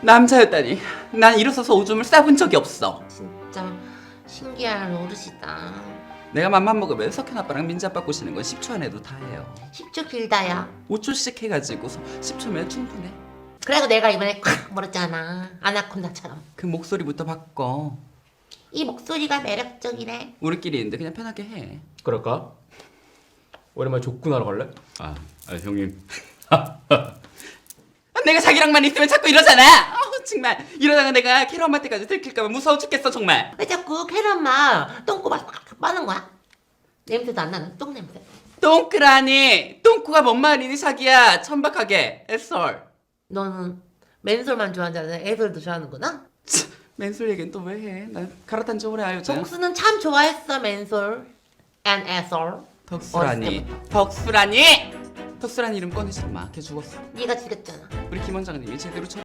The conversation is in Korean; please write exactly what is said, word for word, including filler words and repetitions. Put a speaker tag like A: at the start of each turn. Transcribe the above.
A: 남자였다니. 난 일어서서 오줌을 싸본 적이 없어.
B: 진짜 신기한 노릇이다.
A: 내가 맘만 먹으면 석현 아빠랑 민지 아빠 꼬시는 건 십 초 안에도 다 해요.
B: 십 초 길다야.
A: 오 초씩 해가지고 십 초면 충분해.
B: 그래도 내가 이번에 콱 물었잖아. 아나콘다처럼.
A: 그 목소리부터 바꿔.
B: 이 목소리가 매력적이네.
A: 우리끼리 있는데 그냥 편하게 해.
C: 그럴까? 오랜만에 족구나러 갈래?
D: 아, 아 형님.
A: 내가 자기랑만 있으면 자꾸 이러잖아. 어우 정말 이러다가 내가 캐러 엄마 때까지 들킬까봐 무서워 죽겠어 정말.
B: 왜 자꾸 캐럿마 똥꼬가 팍 빠는 거야? 냄새도 안 나는 똥 냄새.
A: 똥크라니. 똥코가 뭔 말이니 자기야. 천박하게. 애설.
B: 너는 맨솔만 좋아하잖아. 애솔도 좋아하는구나.
A: 맨솔 얘기는 또 왜 해? 난 갈아탄 지 오래 알죠.
B: 덕수는 참 좋아했어 맨솔. and 애솔.
A: 덕수라니.
B: 어렸을 때부터.
A: 덕수라니. 덕수라니 이름 꺼내지 마. 걔 죽었어.
B: 네가 죽였잖아.
A: 우리 김 원장님이 제대로 쳐.